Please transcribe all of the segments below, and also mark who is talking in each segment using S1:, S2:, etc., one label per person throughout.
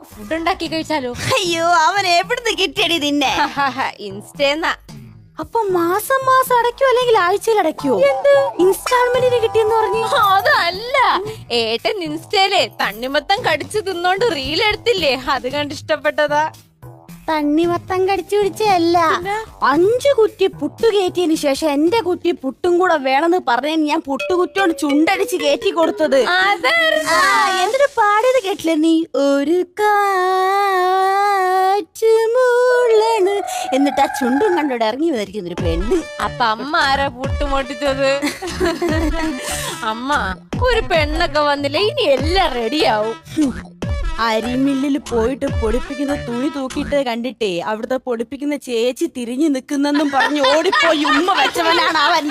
S1: നമുക്ക് ഫുഡ് ഉണ്ടാക്കി കഴിച്ചാലോ?
S2: അയ്യോ, അവൻ എവിടുന്ന് കിട്ടിയടി നിന്നെ?
S1: ഇൻസ്റ്റേന്നാ.
S2: അപ്പൊ മാസം മാസം അടയ്ക്കോ അല്ലെങ്കിൽ ആഴ്ചയിൽ അടയ്ക്കോ? ഇൻസ്റ്റാൾമെന്റിന് കിട്ടിയെന്ന് പറഞ്ഞു.
S1: അതല്ല, ഏട്ടൻ ഇൻസ്റ്റയിലെ തണ്ണിമത്തം കടിച്ചു തിന്നോണ്ട് റീൽ എടുത്തില്ലേ, അത് കണ്ട് ഇഷ്ടപ്പെട്ടതാ.
S2: തണ്ണിമത്തം കടിച്ചു പിടിച്ചല്ല, 5 കുറ്റി പുട്ടു കയറ്റിയതിന് ശേഷം എന്റെ കുറ്റി പുട്ടും കൂടെ വേണമെന്ന് പറഞ്ഞ ഞാൻ പുട്ടുകുറ്റിയോട് ചുണ്ടടിച്ച് കയറ്റി കൊടുത്തത്. എന്തൊരു പാടിയത് കേട്ടില്ലേ നീ? ഒരു കാറ്റുമുള്ളണ് എന്നിട്ട് ആ ചുണ്ടും കണ്ടോടെ ഇറങ്ങി വന്നിരിക്കുന്ന ഒരു പെണ്ണ്.
S1: അപ്പൊ അമ്മ ആരാ പുട്ടുമൊട്ടിച്ചത്? അമ്മ, ഒരു പെണ്ണൊക്കെ വന്നില്ല, ഇനി എല്ലാം റെഡിയാവും.
S2: അരിമില്ലിൽ പോയിട്ട് പൊടിപ്പിക്കുന്ന തുണി തൂക്കിയിട്ട് കണ്ടിട്ടേ അവിടുത്തെ പൊടിപ്പിക്കുന്ന ചേച്ചി തിരിഞ്ഞു നിൽക്കുന്നെന്നും പറഞ്ഞ് ഓടിപ്പോയി ഉമ്മ വെച്ചവനാണ് അവൻ.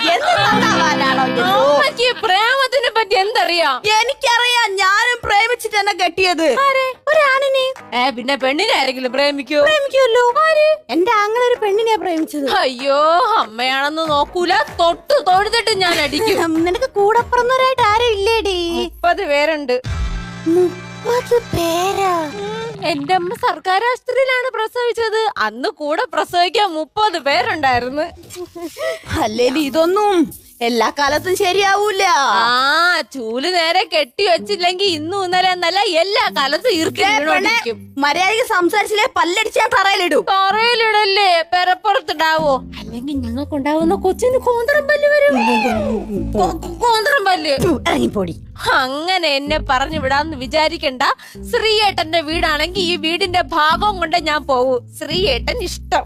S1: പ്രേമത്തിനെ പറ്റി എന്തറിയാം?
S2: എനിക്കറിയാം, ഞാനും പ്രേമിച്ചിട്ട് തന്നെ കെട്ടിയത് ഒരാണിനെ.
S1: പിന്നെ പെണ്ണിനെ ആരെങ്കിലും
S2: പ്രേമിക്കുമല്ലോ. എന്റെ ആങ്ങളെ ഒരു പെണ്ണിനെ പ്രേമിച്ചത്.
S1: അയ്യോ, അമ്മയാണെന്ന് നോക്കൂല, തൊട്ട് തൊഴുതിട്ട് ഞാൻ അടിക്കും.
S2: നിനക്ക് കൂടെ പറഞ്ഞവരായിട്ട് ആരും ഇല്ലേടി?
S1: 30 പേരുണ്ട്.
S2: 30 പേരാ?
S1: എന്റെ അമ്മ സർക്കാർ ആശുപത്രിയിലാണ് പ്രസവിച്ചത്. അന്ന് കൂടെ പ്രസവിക്കാൻ 30 പേരുണ്ടായിരുന്നു.
S2: അല്ലേലും ഇതൊന്നും എല്ലാ കാലത്തും ശരിയാവൂല.
S1: ചൂല് നേരെ കെട്ടി വെച്ചില്ലെങ്കിൽ ഇന്നും ഇന്നലെ എന്നല്ല എല്ലാ കാലത്തും ഈർക്കും.
S2: മര്യാദയ്ക്ക് സംസാരിച്ചില്ലേ പല്ലടിച്ചാ തറയിലിടും.
S1: തറയിലിടല്ലേ, പെരപ്പുറത്തിടാവോ? അല്ലെങ്കിൽ ഞങ്ങൾക്കുണ്ടാവുന്ന കൊച്ചിന് കോന്തറം പല്ല് വരും. കോന്തറം പല്ല്
S2: ഇറങ്ങിപ്പോടി.
S1: അങ്ങനെ എന്നെ പറഞ്ഞു വിടാന്ന് വിചാരിക്കണ്ട. ശ്രീയേട്ടന്റെ വീടാണെങ്കിൽ ഈ വീടിന്റെ ഭാഗം കൊണ്ട് ഞാൻ പോവൂ. ശ്രീയേട്ടൻ ഇഷ്ടം.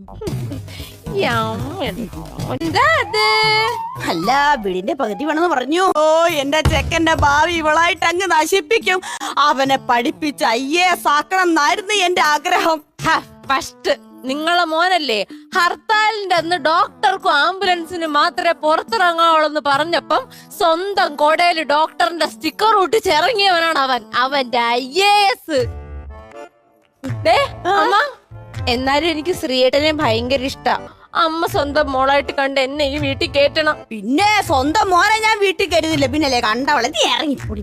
S2: അല്ല, വീടിന്റെ പകുതി വേണമെന്ന് പറഞ്ഞു. ഓ, എന്റെ ചെക്കന്റെ ഭാവി ഇവളായിട്ട് അങ്ങ് നശിപ്പിക്കും. അവനെ പഠിപ്പിച്ച് IAS ആക്കണം എന്നായിരുന്നു എന്റെ ആഗ്രഹം.
S1: ഫസ്റ്റ് നിങ്ങളെ മോനല്ലേ ഹർത്താലിന്റെ അന്ന് ഡോക്ടർക്കും ആംബുലൻസിന് മാത്രമേ പുറത്തിറങ്ങാവുള്ളെന്ന് പറഞ്ഞപ്പം സ്വന്തം കോടയില് ഡോക്ടറിന്റെ സ്റ്റിക്കർ ഒട്ടിച്ച് ഇറങ്ങിയവനാണ് അവൻ. അവന്റെ IAS. അമ്മ, എന്നാലും എനിക്ക് ശ്രീയേട്ടനെ ഭയങ്കര ഇഷ്ടാ. അമ്മ സ്വന്തം മോളായിട്ട് കണ്ട് എന്നെ ഈ വീട്ടിൽ കേറ്റണം.
S2: പിന്നെ സ്വന്തം മോനെ ഞാൻ വീട്ടിൽ കരുതില്ല, പിന്നല്ലേ കണ്ടവളെ. നീ ഇറങ്ങിപ്പോടി.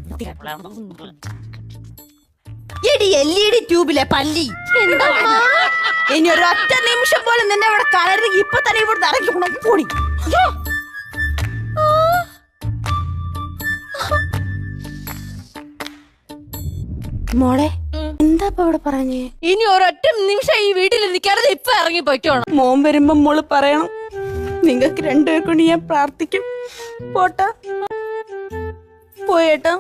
S2: LED ട്യൂബിലെ പല്ലി. ഇനി ഒരു ഒറ്റ നിമിഷം പോലും നിന്നെ ഇവിടെ കളരുത്. ഇപ്പൊ തന്നെ ഇവിടെ ഇറങ്ങി പോടി. മോളെ, എന്താ ഇവിടെ പറഞ്ഞേ?
S1: ഇനി ഒരൊറ്റ നിമിഷം ഈ വീട്ടിൽ നിൽക്കാതെ ഇപ്പൊ ഇറങ്ങി പോയിക്കോണം.
S2: മോൻ വരുമ്പോ മോള് പറയണം, നിങ്ങൾക്ക് രണ്ടുപേർക്കൊണ്ട് ഞാൻ പ്രാർത്ഥിക്കും. പോട്ടാ, പോയേട്ടാ.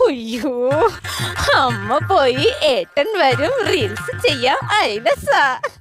S1: അയ്യോ, അമ്മ പോയി, ഏട്ടൻ വരും, റീൽസ് ചെയ്യാം. ഐലസ.